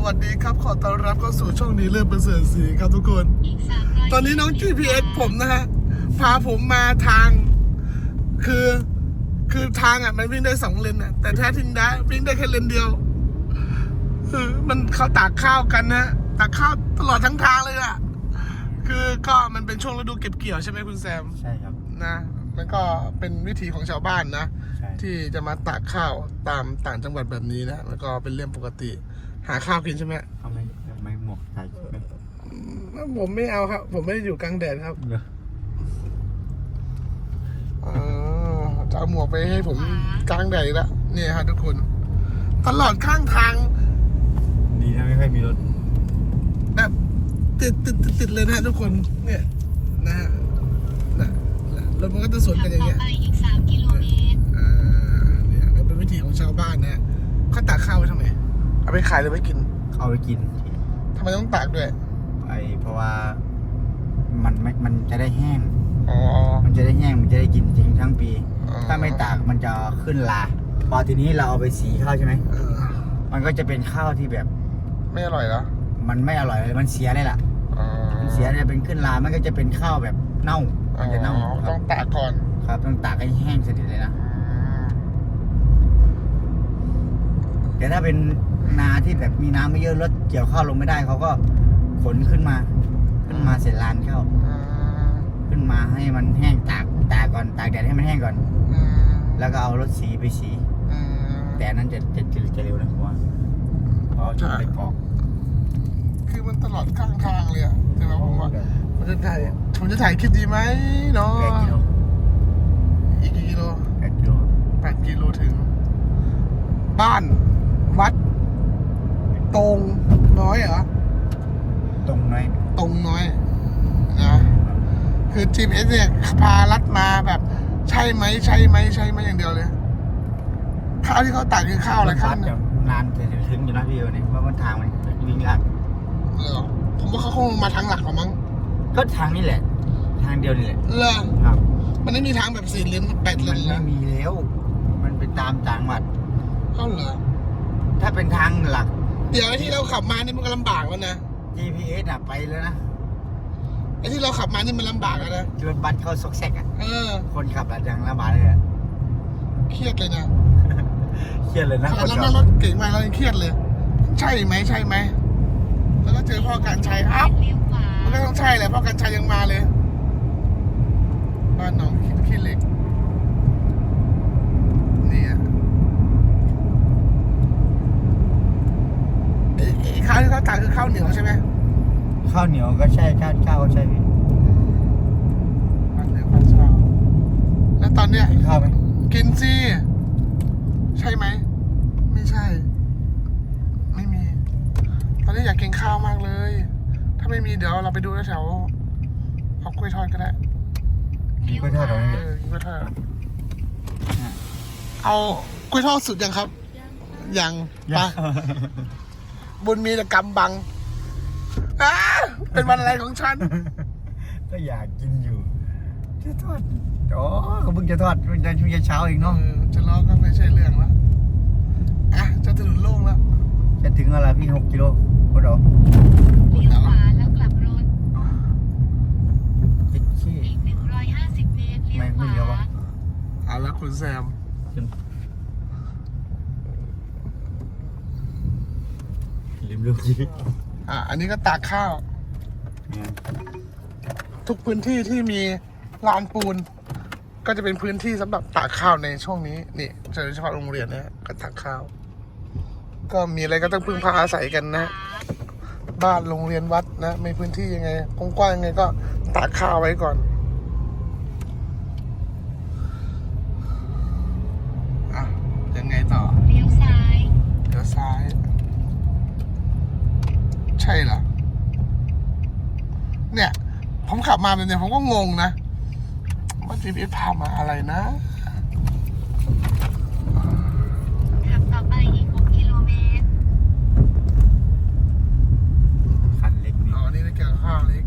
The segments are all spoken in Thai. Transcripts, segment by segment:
วัสดีครับขอต้อนรับเข้าสู่ช่องนี้เรื่องประเสริฐศรีครับทุกคนตอนนี้น้อง GPS ผมนะฮะพาผมมาทางคือทางอ่ะมันวิ่งได้2 เลนอ่ะแต่แท้จริงได้วิ่งได้แค่เลนเดียวมันเขาตากข้าวกันนะตากข้าวตลอดทั้งทางเลยอ่ะคือก็มันเป็นช่วงฤดูเก็บเกี่ยวใช่ไหมคุณแซมใช่ครับนะมันก็เป็นวิถีของชาวบ้านนะที่จะมาตากข้าวตามต่างจังหวัดแบบนี้นะแล้วก็เป็นเรื่องปกติหาข้าวกินใช่ไหมเอาไม่หมวกใส่ไหมผมไม่เอาครับผมไม่ได้อยู่กลางแดดครับจะเอาหมวกไปให้ผมกลางแดดอีกแล้วนี่ฮะทุกคนตลอดข้างทางดีนะไม่ค่อยมีรถแบบติดเลยนะทุกคนเนี่ยนะฮะรถมันก็จะสวนกันอย่างเงี้ยอีก3 กิโลเมตรเนี่ยเป็นวิถีของชาวบ้านนะเขาตากข้าวไว้ทำไมเอาไปขายหรือไปกินเอาไปกินทำไมต้องตากด้วยเพราะว่ามันจะได้แห้งมันจะได้แห้งมันจะได้กินจริงทั้งปีถ้าไม่ตากมันจะขึ้นราพอทีนี้เราเอาไปสีข้าวใช่ไหมมันก็จะเป็นข้าวที่แบบไม่อร่อยแล้วมันไม่อร่อยเลยมันเสียเลยล่ะมันเสียเนี่ยเป็นขึ้นรามันก็จะเป็นข้าวแบบเน่ามันจะเน่าต้องตากก่อนครับต้องตากให้แห้งสนิทเลยนะแต่ถ้าเป็นนาที่แบบมีน้ำไม่เยอะรถเกี่ยวข้าวลงไม่ได้เขาก็ขนขึ้นมาเสร็จลานข้าวขึ้นมาให้มันแห้งตากก่อนตากแดดให้มันแห้งก่อนแล้วก็เอารถสีไปสีแต่นั้นจะเร็วนะเพราะว่าเขาจะไปกอกคือมันตลอดข้างทางเลยอะแต่ว่าผมจะถ่ายคลิปดีไหมเนาะอีกกี่กิโล8 กิโลถึงบ้านวัดตรงน้อยเหรอตรงน้อยนะคือ GPS เนี่ยพาลัดมาแบบใช่ไหมอย่างเดียวเลยข้าวที่เขาตักคือข้าวอะไรข้าวนานจะถึงอยู่นะพี่วันนี้เพราะว่าทางมันวิ่งยากผมว่าเขาคงมาทางหลักหรอมั้งก็ทางนี้แหละทางเดียวนี่แหละครับมันไม่มีทางแบบ4 เลน8 เลนไม่มีแล้วมันไปตามจังหวัดเหรอถ้าเป็นทางหลักเดี๋ยวไอ้ที่เราขับมานี่มันก็ลำบากแล้วนะ GPS อ่ะไปแล้วนะไอ้ที่เราขับมานี่มันลำบากแล้วนะรถบัสเข้าซอกแซกอ่ะคนขับอะอย่างลำบากเลยอ่ะเครียดเลยนะเครียดเลยนะแล้วนั่งรถเก่งมาเรายังเครียดเลยใช่ไหมแล้วก็เจอพ่อการชัยอ้าวมันก็ต้องใช่แหละพ่อการชัยยังมาเลยบ้านน้องขี้เหล็กนี่อ่ะข้าวที่เขาตากคือข้าวเหนียวใช่ไหมข้าวเหนียวก็ใช่ข้าวก็ใช่พี่ข้าวเหนียวข้าวเช้าแล้วตอนเนี้ยข้าวไหมกินสิใช่ไหมไม่ใช่ไม่มีตอนนี้อยากกินข้าวมากเลยถ้าไม่มีเดี๋ยวเราไปดูแถวเอากล้วยทอดก็ได้กล้วยทอดเหรอกล้วยทอดเอากล้วยทอดสุดยังครับยังปะบุญมีแต่กำบังเป็นวันอะไรของฉันก็อยากกินอยู่จะทอดก็เพิ่งจะทอดมันจะช่วงเช้าเองเนาะจะล้อก็ไม่ใช่เรื่องแล้วจะถนนโล่งแล้วจะถึงอะไรพี่6 กิโลโอ้โหเลี้ยวขวาแล้วกลับรถอีก 150 เมตรเลี้ยวขวาเอาละคุณแซมลืมลูกยีอันนี้ก็ตากข้าวทุกพื้นที่ที่มีลานปูนก็จะเป็นพื้นที่สำหรับตากข้าวในช่วงนี้นี่โดยเฉพาะโรงเรียนนะก็ตากข้าวก็มีอะไรก็ต้องพึ่งพาอาศัยกันนะบ้านโรงเรียนวัดนะมีพื้นที่ยังไงกว้างๆยังไงก็ตากข้าวไว้ก่อนยังไงต่อเลี้ยวซ้ายใช่เหรอเนี่ยผมขับมาแบบนี้ผมก็งงนะว่า GPS พามาอะไรนะขับต่อไปอีก6 กิโลเมตรคันเล็กนี่ได้เกี่ยวข้าวเล็ก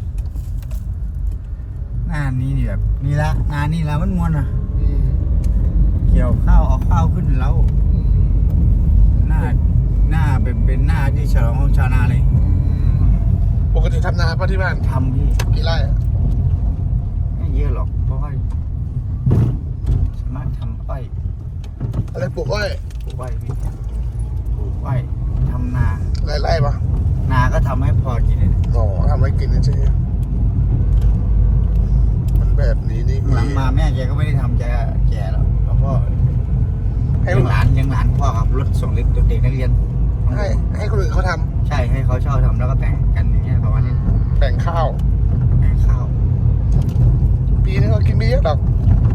หน้านี้นี่แบบนี่ละงานนี่ละมันมวนอ่ะเกี่ยวข้าวเอาข้าวขึ้นแล้วหน้าหน้าเป็นหน้าที่ฉลองของชาวนาเลยปกติทำนาป่ะที่บ้านทำพี่กี่ไร่อะไม่เยอะหรอกเพราะว่าสามารถทำอ้อยอะไรปลูกอ้อยปลูกอ้อยพี่ปลูกอ้อยทำนาหลายไร่ปะนาก็ทำให้พอกินเลยนะอ๋อทำไว้กินเฉยๆมันแบบนี้นี่หลังมาแม่แกก็ไม่ได้ทำแก่แล้วแล้วพ่อให้ยังหลานพ่อขับรถส่งเด็กนักเรียนให้คนอื่นเขาทใช่ให้เขาเช่าทำแล้วก็แบ่งกันอย่างเงี้ยประมาณนี้ำแบ่งข้าวแบ่งข้าวปีนึงก็กินไม่เยอะหรอก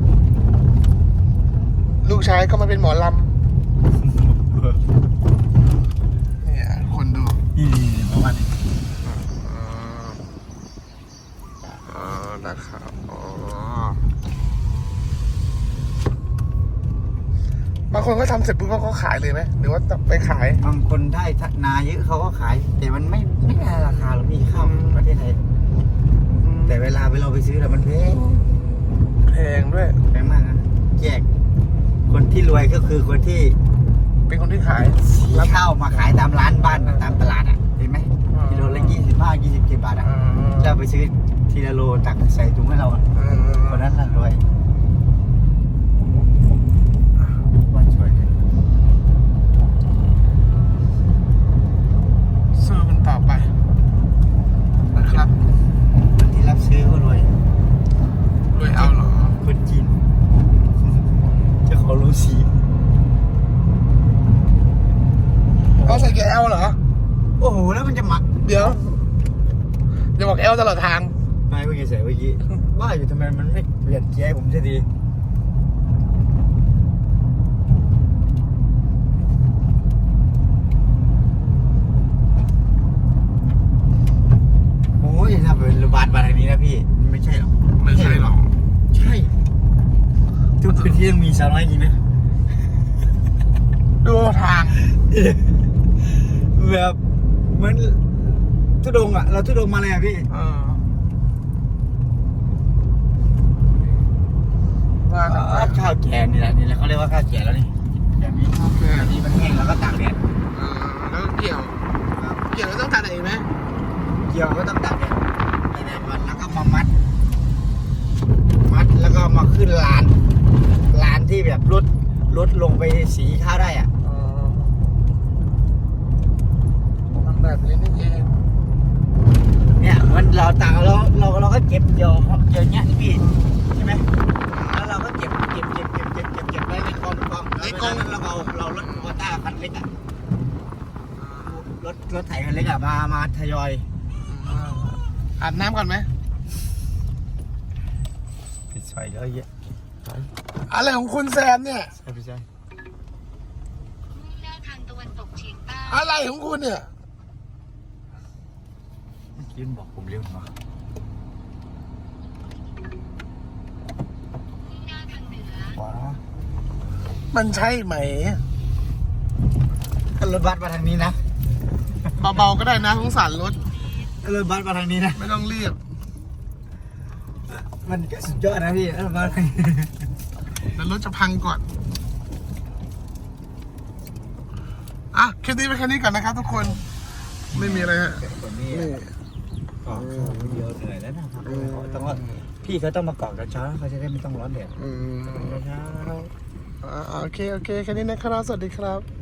ลูกชายก็มาเป็นหมอลำเนี่ยคนดูประมาณนี้นะครับอ๋อบางคนก็ทำเสร็จปุ๊บก็ขายเลยไหมหรือว่าไปขายบางคนได้นาเยอะเขาก็ขาย แต่มันไม่ได้ราคาหรอกพี่ข้าวประเทศไทยแต่เวลาเราไปซื้อแล้วมันแพงแพงด้วยแพงมากนะแยกคนที่รวยก็คือคนที่เป็นคนที่ขายรับข้าวมาขายตามร้านบ้านตามตลาดอ่ะเห็นไหมกิโลละ27 บาทอ่ะเราไปซื้อทีละโลตักใส่ถุงให้เราอะคนนั้นน่ะรวยบ้านสวยเลยซื้อมันต่อไปนะครับคนที่รับซื้อก็รวยรวยเอาเหรอคนจีนเจ้าของโรงสีเอาใส่แกเอลเหรอโอ้โหแล้วมันจะหมักเดี๋ยวอย่าบอกเอลตลอดทางไม่เมื่อกี้ใส่เมื่อกี้ว่าอยู่ทำไมมันไม่เปลี่ยนเกียร์ให้ผมสักทีโอ้ยถ้าเป็นบาททางนี้นะพี่ไม่ใช่หรอกไม่ใช่หรอกใช่ทุกพื้นที่ต้องมีสาวน้อยจริงนะดูทางแบบเหมือนทุดงอ่ะเราทุดงมาเลยอ่ะพี่ว่ากันไปข้าวแกงนี่แหละเขาเรียกว่าข้าวแกงแล้วนี่แบบนี้แบบนี้มันแห้งแล้วก็ตากแดดแล้วเกี่ยวแล้วต้องตัดเองไหมเกี่ยวก็ต้องตากแดดวันแล้วก็มามัดแล้วก็มาขึ้นลานที่แบบลดลงไปสีข้าวได้อ่ะมันแบบนี้นี่เองเนี่ยมันเราตากเราก็เก็บเกี่ยวเงี้ยพี่ใช่ไหมแล้วเราก็เก็บไว้ในกองแล้วเรารถโคต้าคันเล็กอ่ะรถไถคันเล็กอ่ะมาทยอยอาบน้ำก่อนไหมปิดไฟเยอะแยะอะไรของคุณแซมเนี่ยใช่พี่ใช่มุ่งหน้าทางตะวันตกเฉียงใต้อะไรของคุณเนี่ยเมื่อกี้มันบอกผมเร็วหน่อยมุ่งหน้าทางเหนือว้ามันใช่ไหมถ้ารถบัสมาทางนี้นะเบาๆก็ได้นะสงสารรถถ้ารถบัสมาทางนี้นะไม่ต้องรีบมันก็สุดยอดนะพี่รถบัสทางนี้แล้วรถจะพังก่อน อ่ะคลิปนี้ไปแค่นี้ก่อนนะครับทุกคน ไม่มีอะไรฮะคนนี้นี่กอกข้าวเดียวเหนื่อยแล้วนะครับต้องว่าพี่เขาต้องมากอกเช้าเขาจะได้ไม่ต้องร้อนแดดอืมเช้าโอเค แค่นี้นะครับ สวัสดีครับ